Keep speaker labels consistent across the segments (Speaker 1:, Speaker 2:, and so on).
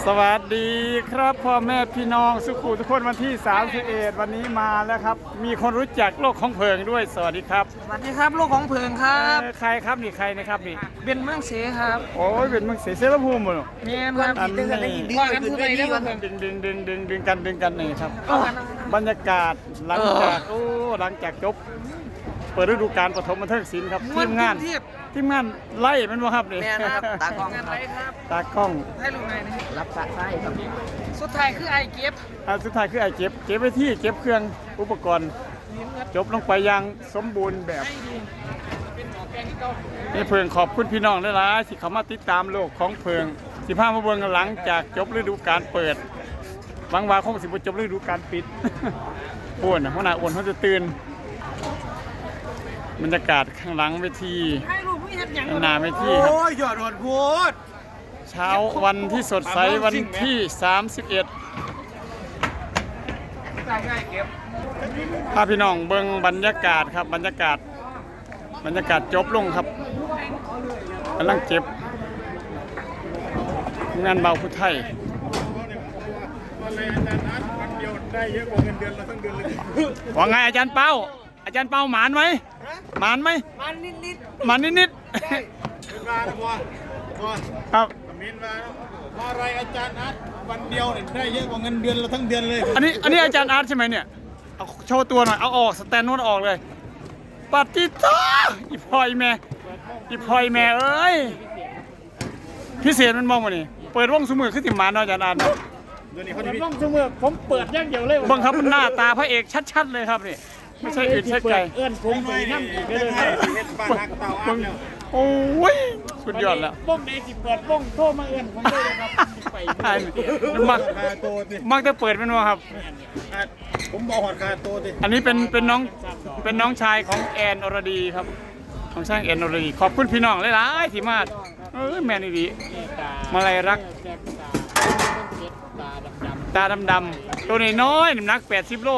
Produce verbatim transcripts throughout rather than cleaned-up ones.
Speaker 1: สวัสดีครับพ่อแม่พี่น้องสุขุทุกคนวันที่สามสิบเอ็ดวันนี้มาแล้วครับมีคนรู้จักโลกของเพิงด้วยสวัสดีครับ
Speaker 2: สวัสดีครับโลกของเพิงครับ
Speaker 1: ใครครับนี่ใครนะครับนี่
Speaker 2: เป็นเมืองเสครับ
Speaker 1: โอ้ยเป็นเมืองเสเสรภูมิหมด
Speaker 2: เมียครับ
Speaker 1: อันนี้
Speaker 2: ว่ากันพูดไปได้ว่า
Speaker 1: ดึงดึงดึงดึงดึงกันดึงกันนี่ครับบรรยากาศหลังจากโอ้หลังจากจบเปิดฤดูกาลปฐมบันเทิงศิลป์ครับทีมงานทีมงานไล่มันวะครับนี่
Speaker 2: ตากล้องครับ
Speaker 1: ตากล้อง
Speaker 2: ให้ลูกนายนะ
Speaker 3: รับสะไส้ครับ
Speaker 2: สุดท้ายคือไอเก็บ
Speaker 1: อ่าสุดท้ายคือไอเก็บเก็บไว้ที่เก็บเครื่องอุปกรณ์จบลงไปอย่างสมบูรณ์แบบนี่เพิงขอบคุณพี่น้องหลายๆที่เขามาติดตามโลกของเพิงสิพามาเบิ่งหลังจากจบฤดูกาลเปิดบางวาคงสิบ่จบฤดูกาลปิดอ้วนหัวหน้าอ้วนเขาจะตื่นบรรยากาศข้างหลังเวทีหน้าเวทีครับ
Speaker 3: โอ้ยหยอดหดพูด
Speaker 1: เช้าวันที่สดใสวันที่สามสิบเอ็ดพาพี่น้องเบิ่งบรรยากาศครับบรรยากาศบรรยากาศจบลงครับกำลังเจ็บงานเบาพุทไทยว่าไงอาจารย์เป้าอาจารย์เป้าหมานไหมหมานไหม
Speaker 2: หมานนิดนิด
Speaker 1: หมานนิดนิดครับ
Speaker 3: มินมาว่าอะไรอาจารย์นัดวันเดียวได้เยอะกว่าเงินเดือนเราทั้งเดือนเลย
Speaker 1: อันนี้อันนี้อาจารย์อาร์ตใช่ไหมเนี่ยเอาโชว์ตัวหน่อยเอาออกสแตนโน้ตออกเลยปฏิทินอีพอยแม่อีพอยแม่เอ้ยพิเศษมันมองมานี่เปิดวงสมือขึ้นติมานอาจารย์อาร์ต
Speaker 3: เปิ
Speaker 1: ดวงสมือผมเปิดอย่างเดียวเลยบังคับมันหน้าตาพระเอกชัดๆเลยครับนี่ไม่ใช่อื่นใช่ไกล
Speaker 3: เอื้อนผมไปนั่งอีกเลย
Speaker 1: โอ้ยสุดยอดแล้ว
Speaker 2: บ้งในสิเปิดบ้งโทรมาเอื้อนผมเลยครับไป
Speaker 1: มักมักจะเปิดเป็นว่าครับ
Speaker 3: ผมบอกหอดคาโตดิ
Speaker 1: อันนี้เป็นเป็นน้องเป็นน้องชายของแอนอรดีครับของช่างแอนอรดีขอบคุณพี่น้องหลายๆที่มาเออแมนดีมาลัยรักตาดำๆตัวน้อยๆน้ำหนักแปดสิบโล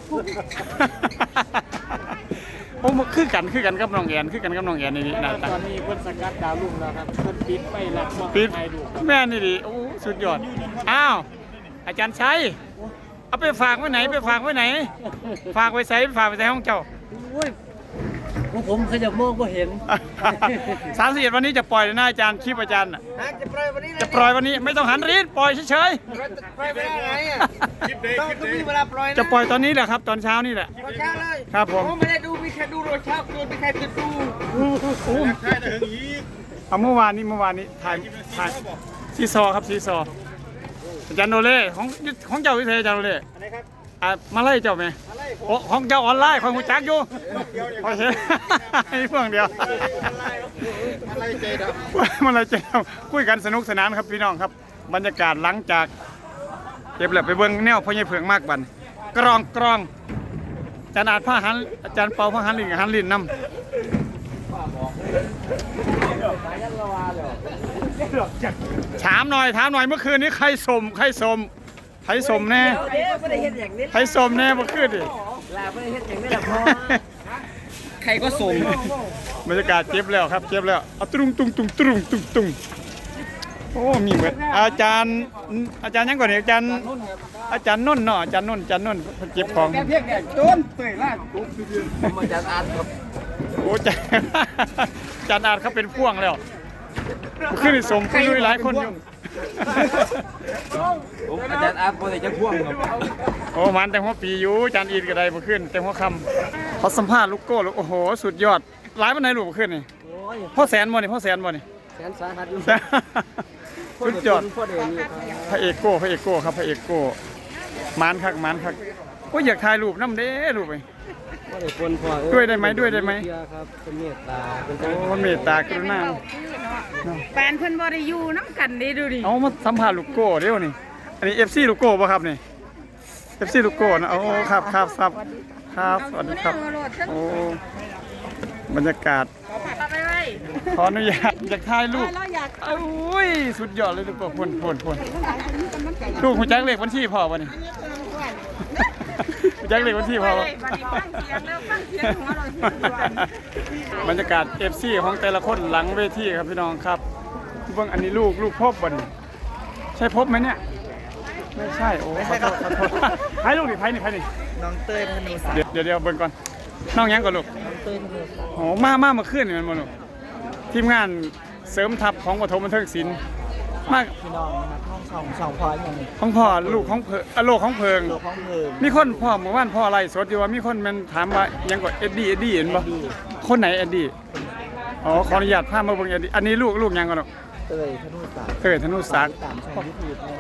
Speaker 1: โอ้คือกันคือกันกับน้องแอนคือกันกับน้องแอนนี่นะ
Speaker 2: ตอนนี้เพิ่นสกัดดาวรุ่งแล้วครับเพิ่นปิดไปหลัก
Speaker 1: ปิดแม่นี่ดิโอ้สุดยอดอ้าวอาจารย์ชัยเอาไปฝากไว้ไหนไปฝากไว้ไหนฝากไว้ใส่ฝากไว้ใส่ห้องเจ้า
Speaker 3: ผมเคยจะมองก็เห็น
Speaker 1: สามสิบเอ็ดวันนี้จะปล่อยนะอาจารย์คลิปอาจารย์
Speaker 2: จะปล่อยวันนี้
Speaker 1: จะปล่อยวันนี้ไม่ต้องหันรีดปล่อยเฉย
Speaker 2: ๆปล่อยไปได้ไงอ่ะต้องต้องมีเวลาปล่อย
Speaker 1: จะปล่อยตอนนี้แหละครับตอนเช้านี่แหละ
Speaker 2: ตอนเช้าเลย
Speaker 1: ครับผม
Speaker 2: ไม่ได้ดูมีแค่ดูตอนเช้าคือมีใครจะดู
Speaker 1: เอาเมื่อวานนี้เมื่อวานนี้ถ่ายถ่ายซีซอครับซีซออาจารย์โนเล่ของของเจ้าวิเศษอาจารย์โนเล่อ่ะมาไล่เจ้าไหมโอ้ของเจ้าออนไลน์คอยหูจักอยู่คอยเห็นไอ้เพื่อนเดียวมาไล่เจดมาไล่เจดคุยกันสนุกสนานครับพี่น้องครับบรรยากาศหลังจากเก็บแหลบไปเบิ้งแนวพ่อใหญ่เผืองมากบันกรองกรองอาจารย์อาจผ้าหันอาจารย์เปาผ้าหันลินกับหันลินน้ำถามหน่อยถามหน่อยเมื่อคืนนี้ใครสมใครสมไทยสมแน่ไทยสมแน่มาขึ้นดิ
Speaker 2: ใครก็สม
Speaker 1: บรรยากาศเจ็บแล้วครับเจ็บแล้วเอาตุ้งตุ้งตุ้งตุ้งตุ้งตุ้งโอ้มีเหมือนอาจารย์อาจารย์ยังก่อนอาจารย์อาจารย์นุ่นเนาะอาจารย์นุ่นอาจารย์นุ่นเจ็บของ
Speaker 2: แกเพียงแก่ต้นเตยล่าผมอาจารย์อาร์ตครับ
Speaker 1: โอ้อาจารย์อาร์ตเขาเป็นพ่วงแล้วขึ้นสมขึ้นด้วยหลายคนอยู่
Speaker 3: ผมอาจารย์อาร์ตคนไหนจะพ่วงครับ
Speaker 1: โอ้มันแต่หัวปีอยู่อาจารย์อีนก็ได้มาขึ้นแต่หัวคำเขาสัมภาษณ์ลูกโก้ลูกโอ้โหสุดยอดหลายวันไหนลูกมาขึ้นนี่พ่อแสนบ่นี่พ่อแสนบ่นี่
Speaker 2: แสนสาหัสอยู่
Speaker 1: สุดยอดพระเอกโก้พระเอกโก้ครับพระเอกโก้มานคักมานคักก็อยากถ่ายรูปน้ำเด้รูปไปด้วยได้ไหมด้วยได้ไหม
Speaker 3: เป็นเมตตา
Speaker 1: เป็นเมตตากรุณา
Speaker 4: แฟนเพิ่นบริยูน้ำกันดีดูดิ
Speaker 1: เอามาสัมภาษณ์ลูกโก้เดี๋ยวนี่อันนี้เอฟซีลูกโก้ป่ะครับนี่เอฟซีลูกโก้นะโอ้ครับครับครับครับสวัสดีครับโอ้บรรยากาศขออนุญาตอยากถ่ายรูปโอ้ยสุดยอดเลยลูกโก้พ่นพ่นพ่นลูกหัวใจเล็กวันที่พอวันนี้หัวใจเล็กวันที่พอบรรยากาศเอฟซีของแต่ละคนหลังเวทีครับพี่น้องครับเบื้องอันนี้ลูกลูกพ่อบอลใช่พบไหมเนี่ยไม่ใช่โอ้ขอโทษขอโทษใครลูกดิใครนี่ใครนี่
Speaker 2: น้องเต้ยธนูศักดิ์
Speaker 1: เดี๋ยวเดี๋ยวเดี๋ยวเบิ่งก่อนน้องยังก่อนลูก
Speaker 2: น้องเต้ยธนูศักดิ์
Speaker 1: โอ้มามามาขึ้นนี่มันบ่ลูกทีมงานเสริมทัพของปฐมบันเทิงศิลป์มาก
Speaker 2: พี่น้องนะครับห้องสองสองพอยอย่างนี้
Speaker 1: ของพ่อลูกของเพิงอ่ะโลกของเพิง
Speaker 2: โลกของเพลิง
Speaker 1: มีคนพ่อเมื่อวานพ่ออะไรสดอยู่ว่ามีคนมันถามว่ายังกดเอ็ดดี้เอ็ดดี้เห็นบ่คนไหนเอ็ดดี้อ๋อขออนุญาตพามาเบิ่งเอ็ดดี้อันนี้ลูกลูกยังก่อนลูก
Speaker 2: เต้ยธนูศักดิ์
Speaker 1: เต้ยธนูศักดิ์
Speaker 2: ตามช่องยูทูบนะ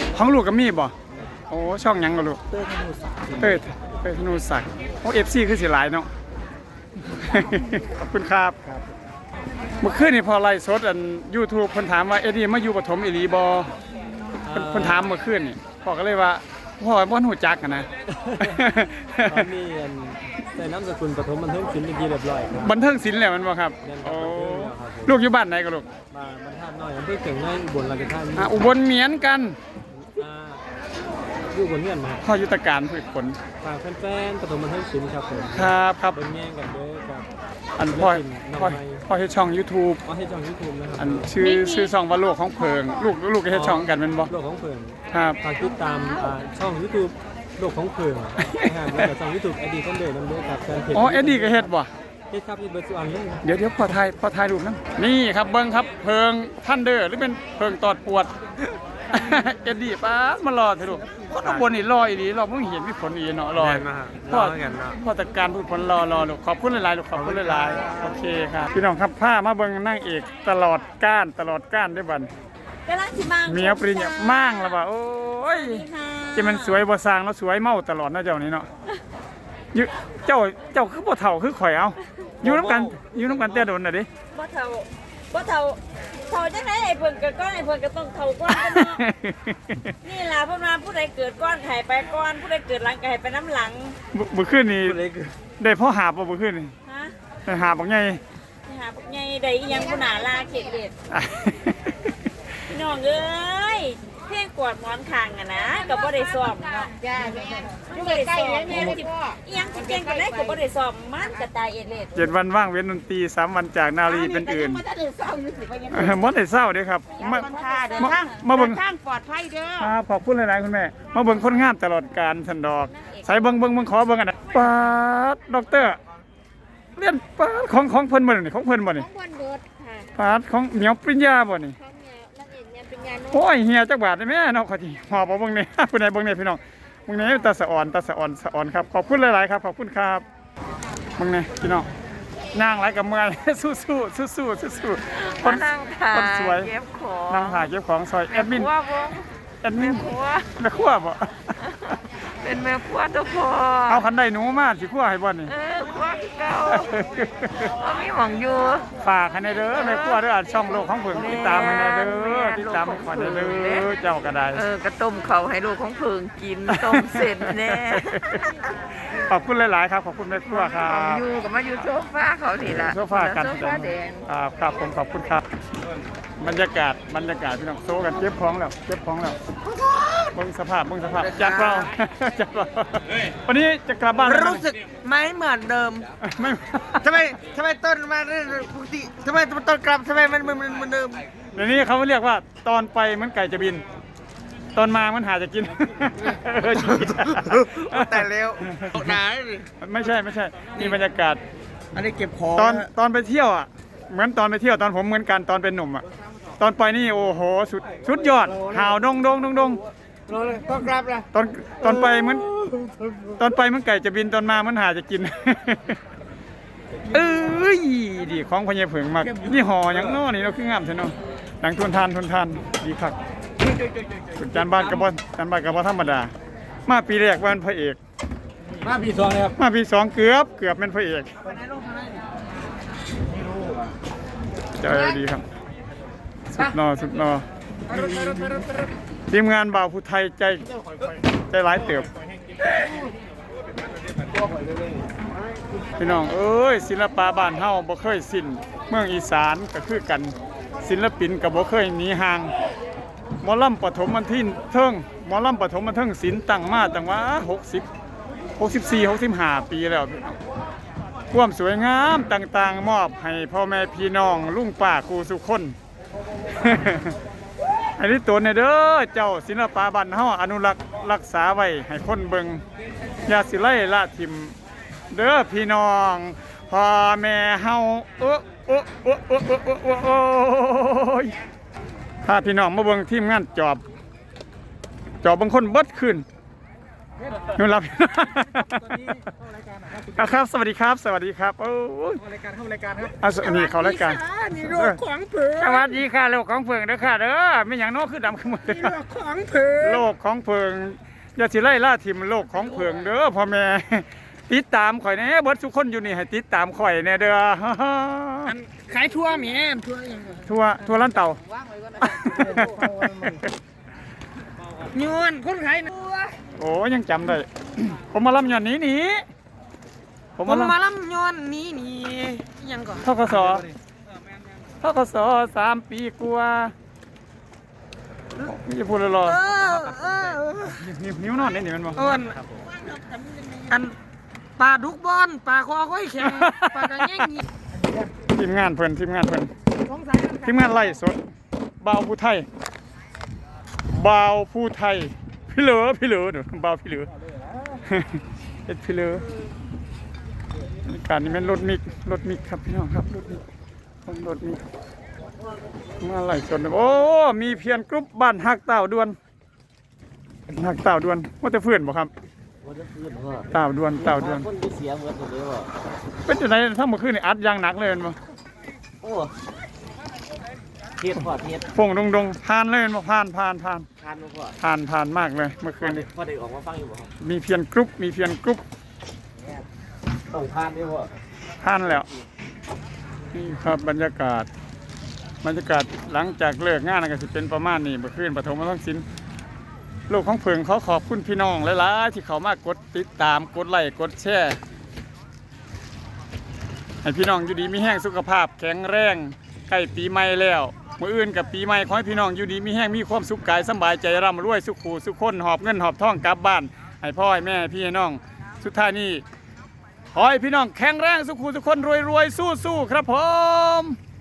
Speaker 1: ของลูกก็มีบ่โอ้ช่องยังก่อนลูก
Speaker 2: เต้ยธนูศักดิ์
Speaker 1: เต้ยเต้ยธนูศักดิ์โอ้ เอฟ ซี คือสิหลายเนาะ ขอบคุณครับเมื่อคืนนี่พอไลฟ์สดอัน YouTube เพิ่นถามว่าเอ็ดดี้มาอยู่ปฐมอีหลีบ่เพิ่นเพิ่นถามเมื่อคืนนี่พ่อก็เลยว่าพ่อบ่ฮู้จักอะนะ
Speaker 5: ตอนนี้อันใส่น้ำสกุลปฐมบันเทิงศิลป์เป็นที่เรียบร้อยครับ
Speaker 1: บันเทิงศิลป์แล้วแมันบ่ครับ
Speaker 5: แม่นครับ
Speaker 1: โอ้
Speaker 5: บันเทิงแล้วครับผม
Speaker 1: ลูกอยู่บ้านไหนก็ลูก
Speaker 5: มาบรรทัดน้อยอำเภอเก่งน้อยอุบลราชธานี
Speaker 1: อ่ะอุบลเหมียนกัน
Speaker 5: อ่าอยู่บนเงื่อนมา
Speaker 1: พ่อยุทธการพืชผล
Speaker 5: ฝากแฟนๆปฐมบันเทิงศิลป์ครับผม
Speaker 1: ครับครับ
Speaker 5: เบิ่งแย่งกันเด้อครับ
Speaker 1: อันพ่อ
Speaker 5: ศิลปินน้อง
Speaker 1: พ่อ
Speaker 5: ใหม่
Speaker 1: พ่อเฮ็ดช่อง YouTube
Speaker 5: เอาให้ช่องยูทูบนะครับ
Speaker 1: อันชื่อชื่อช่องว่าโลกของเพิง ลูกลูกก็เฮ็ดช่องกันแม่นบ่
Speaker 5: โลกของเพิง
Speaker 1: ครับ
Speaker 5: ฝากติดตามอ่าช่องยูทูบโลกของเพิงนะครับแล้วก็ช่องยูทูบอดีตคนเดิมนำเด้อครับแฟนเพจ
Speaker 1: อ๋อเอ็ดดี้ก็เฮ็ดบ่
Speaker 5: เฮ็ดครับมีเบอร์สุอันเลย
Speaker 1: เดี๋ยวเดี๋ยวพอถ่ายพอถ่ายรูปนะนี่ครับเบิ้งครับเพิงท่านเด้อหรือเป็นเพิงตอดปวด เอ็ดดี้ป้ามารอเถอะลูกคนข้างบนนี่รออีหลีรอมึงเห็นมีผลอีเนาะรอพ่อพ่อจัดการผู้ผลรอรอลูกขอบคุณหลายๆลูกขอบคุณหลายๆโอเคครับพี่น้องครับผ้ามาเบิ้งนางเอกตลอดก้านตลอดก้านได้บัด
Speaker 4: กำลังสิมัง
Speaker 1: เมียปริญญามั่งแล้วว่าโอ้ยจะมันสวยบ่สร้างแล้วสวยเมาตลอดนะเจ้านี่เนาะอยู่เจ้าเจ้าคือบ่เฒ่าคือข่อยเอาอยู่นํกันอยู่นํกันแต่โดนน่ะดิ
Speaker 6: บ่เท่าบ่เท่าเท่าจังได๋ไอ้เพิ่นเกิดก่อนไอ้เพิ่นก็ต้องเท่าก่อนกันเนาะ นี่ล่ะเพิ่นว่าผู้ใดเกิดก่อนไห้ไปก่อนผู้ใดเกิดหลังก็ให้ไปน้ำหลัง
Speaker 1: เมื่อคืนนี้ได้พ่อหาบบ่เมื่อคืนนี่
Speaker 6: ฮะ
Speaker 1: ได้หาบบักใหญ่
Speaker 6: ไปหาพวกใหญ่ได้อีหยังผู้หน้าลาเข็ดเด็ดพี่น้องเอ้ยเพลงกวาดหมอนข้างอะนะก็บ่ได้ซ้อมเนาะจ้าแม่อยู่ใกล้ๆแล้วแม่สิอีหยังสิเก่งกันได้ก็บ่ได้ซ้อมมันก็ตายเอ็ดเล็ด
Speaker 1: เจ็ดวันว่างเว้นดนตรีสามวันจากนาลีเป็นอื่น
Speaker 6: มันจะได้เศร้าอยู่สิว่ายัง
Speaker 1: เออมดได้เศร้าเด้อครับมา
Speaker 6: เดิน
Speaker 1: มา
Speaker 6: ทาง
Speaker 1: มาเบิ่ง
Speaker 6: เดินทางปลอดภัยเด้อ
Speaker 1: ครับขอบคุณหลายๆคุณแม่มาเบิ่งคนงามตลอดการสันดอกใส่เบิ่งเบิ่งเบิ่งขอเบิ่งอันนั้นปาดด็อกเตอร์เรียนปาดของของเพิ่นบ่นี่ของเพิ่นบ่นี่
Speaker 6: บนเบิดค่ะ
Speaker 1: ปาดของเหมียวปริญญาบ่นี่
Speaker 6: ของเนี่ยนักเอกเนี่ยเป็นงานโน้
Speaker 1: โอ้ยเฮียจักบาทได้แม่เนาะขอทีหอบเอาเบิ่งนี่ ผู้ใดเบิ่งนี่พี่น้องเบิ่งนี่ตาสะอ่อนตาสะอ่อนสะอ่อนครับขอบคุณหลายๆครับขอบคุณครับเบิ่งนี่พี่น้องนางหลายกับเมื่อย สู้ๆสู้ๆสู้ๆคน
Speaker 4: นั่งถ่า
Speaker 1: คนสวย
Speaker 4: เก็บของ
Speaker 1: นางถ่ายเก็บของซอยแอดมิน
Speaker 4: ว่าบ่
Speaker 1: แอดมิน
Speaker 4: ครัว
Speaker 1: แม่ครัวบ่
Speaker 4: เป็นแม่ครัวตัวพอ
Speaker 1: เอาคันได้หนูมาสิครัวให้บ่นี่
Speaker 4: เออครัวคือเก่าบ่มีหวังอยู่
Speaker 1: ฝากให้ในเด้อแม่ครัวเด้ออ่านช่องโลกของเพิ่นติดตามให้ในเด้อติดตามให้ขอยในเด้อเจ้าก็ได้
Speaker 4: เออกระต้มเขาให้ลูกของเพิงกินต้มเสร็จแน่
Speaker 1: ขอบคุณหลายๆครับขอบคุณแม่ครัวครั
Speaker 4: ของ
Speaker 1: บ
Speaker 4: อยู่ก็มาอยู่โซฟาเขานี่ล่ะ
Speaker 1: โซฟากัน
Speaker 4: โซฟาแดง
Speaker 1: ครับครับผมขอบคุณครับ บรรยากาศบรรยากาศพี่น้องโซกันเก็บของแล้วเก็บของแล้วเบิ่งสภาพเบิ่งสภาพจากเรา จากเราวันนี้จะกลับบ้าน
Speaker 2: รู้สึกไม่เหมือนเดิม
Speaker 1: ไม่
Speaker 2: ทำไมทำไมต้นมาเรื่อยๆปกติทำไมต้นกลับทำไมมันมันมันเหมือนเดิม
Speaker 1: เดี๋ยวนี้เขาเรียกว่าตอนไปเหมือนไก่จะบิน ตอนมามันหาจะกิน เออจริงๆ
Speaker 2: แต่เร็วหนา
Speaker 1: ไม่ใช่ไม่ใช่ นี่บรรยากาศ
Speaker 2: อันนี้เก็บของ
Speaker 1: ตอนตอนไปเที่ยวอ่ะ เหมือนตอนไปเที่ยวตอนผมเหมือนกันตอนเป็นหนุ่มอ่ะ ตอนไปนี่โอ้โหสุดสุดยอดหาวดงดงดงดง
Speaker 2: ต้องกลับนะ
Speaker 1: ตอนตอนไปเหมือนตอนไปเหมือนไก่จะบินตอนมามันหาจะกิน เอ้ยดีของพญาเผิงมากนี่ห่ออย่างน้อนี่เราคืองามใช่เนาะหนังทุนทานทุนทานดีคักคุณจานบ้านกระบอนจานบ้านกระบอนธรรมดา มาปีแรกว่าเป็นพระเอก
Speaker 5: มาปีสองเลยครับ
Speaker 1: มาปีสองเกือบเกือบเป็นพระเอกเจอดีครับสุดนอสุดนอทีมงานบ่าวผู้ไทยใจใจร้ายเติบพี่น้องเอ้ยศิลปะบ้านเฮาบ่เคยสิ้นเมืองอีสานก็คือกันศิลปินก็บ่เคยหนีห่างหมอลำปฐมบันทินเทิงหมอลำปฐมบันเทิงศิลป์ตั้งมาตั้งว่าหกสิบ หกสิบสี่ หกสิบห้าปีแล้วพี่น้องความสวยงามต่างๆ มอบให้พ่อแม่พี่น้องลุงป้าครูสุคน พอันนี้ตัวเนี่ยเด้อเจ้าศิลปะบ้านเฮาอนุรักษ์รักษาไว้ให้คนเบิ่งอย่าสิไล่ละทิมเด้อพี่น้องพ่อแม่เฮาโอ้โอ้โอ้โอ้โอ้โอ้โอ้โอ้ยถ้าพี่น้องมาเบิ่งทีมงานจอบจอบบางคนเบิดขึ้นนู่นรับครับ สวัสดีครับ สวัสดีครับโอ้ย
Speaker 5: เข้ารายการเข้ารายการครับ
Speaker 1: อ่ะสวัสดีเขารายการ
Speaker 4: นี่โลกของเผือ
Speaker 1: สวัสดีค่ะโลกของเพิงเด้อค่ะเด้อไม่อย่างโน้คือดำขึ้นหมดเลย
Speaker 4: นี่โลกของเผือ
Speaker 1: โลกของเพิงอย่าสิไล่ล่าทิมโลกของเพิงเด้อพ่อแม่ติดตามข่อยแน่เบิดทุกคนอยู่นี่ให้ติดตามข่อยแน่เด้อ
Speaker 4: ขายทั่วแม่ทั่วยัง
Speaker 1: ทั่วทั่วร้านเต่า
Speaker 4: ยวนคนขายนะ
Speaker 1: โอ้ยังจำได้ ผมมาลำหย่อนนี้หนีผม
Speaker 4: ผม
Speaker 1: มาลำ
Speaker 4: มาล่ำยวนนี้นี่ยังก่อน
Speaker 1: ทกศทกศสามปีกว่าไม่จะพูดเลยหรอ
Speaker 4: เออเออ
Speaker 1: นิ้วนิ้วนอนนี่นี่มันบอก
Speaker 4: เอินอันปลาดุกบอลปลาคอค่อยแข็งปลากระแยงนี่
Speaker 1: ทีมงานเพิ่นทีมงานเพิ่น
Speaker 4: สงสัย
Speaker 1: ทีมงานไล่สดบ่าวผู้ไทยบ่าวผู้ไทยพี่เหลือพี่เหลือเดี๋ยวบ่าวพี่เหลือเอ็ดพี่เหลือการนี้เป็นรถมิกรถมิกครับพี่น้องครับรถมิกรถมิกมาไล่สดโอ้มีเพียนกรุ๊ปบ้านฮักเต่าดวนฮักเต่าดวนว่าจะเพื่อนบ่ครับ
Speaker 2: วันจะคืนพ่อ
Speaker 1: เต่าดวนเต่าดวน
Speaker 2: คนที่เสียเหมือนกันเลยพ่อ
Speaker 1: เป็นจังไดทั้งเมื่อคืนนี่อัดอยางหนักเลยแม่นบ่
Speaker 2: โอ้เทียดพ่อเทียด
Speaker 1: ฟงดงดงผ่านเลยแม่นบ่ผ่านผ่านผ่าน
Speaker 2: ทานพ่อ
Speaker 1: ผ่านผ่านมากเลยเมื่อคืนนี้
Speaker 2: พ่อได้ออกมาฟังอยู่บ่ครับ
Speaker 1: มีเพียนกรุ๊ปมีเพียนกรุ๊ป
Speaker 2: ต้องทานด้วยพ่อ
Speaker 1: ผ่านแล้วนี่ครับบรรยากาศบรรยากาศหลังจากเลิกงานก็สิเป็นประมาณนี้เมื่อคืนปฐมทักษิณโลกของเพิงเขาขอบคุณพี่น้องหลายๆที่เขามากดติดตามกดไลค์กดแชร์ให้พี่น้องอยู่ดีมีแห้งสุขภาพแข็งแรงใกล้ปีใหม่แล้วมื้ออื่นกับปีใหม่ขอให้พี่น้องอยู่ดีมีแห้งมีความสุขกายสำบายใจร่ำรวยสุขหูสุขคนหอบเงินหอบทองกลับบ้านให้พ่อให้แม่ให้พี่ให้น้องสุดท้ายนี้ขอให้พี่น้องแข็งแรงสุขหูสุขคนรวยรวยสู้สู้ๆครับผม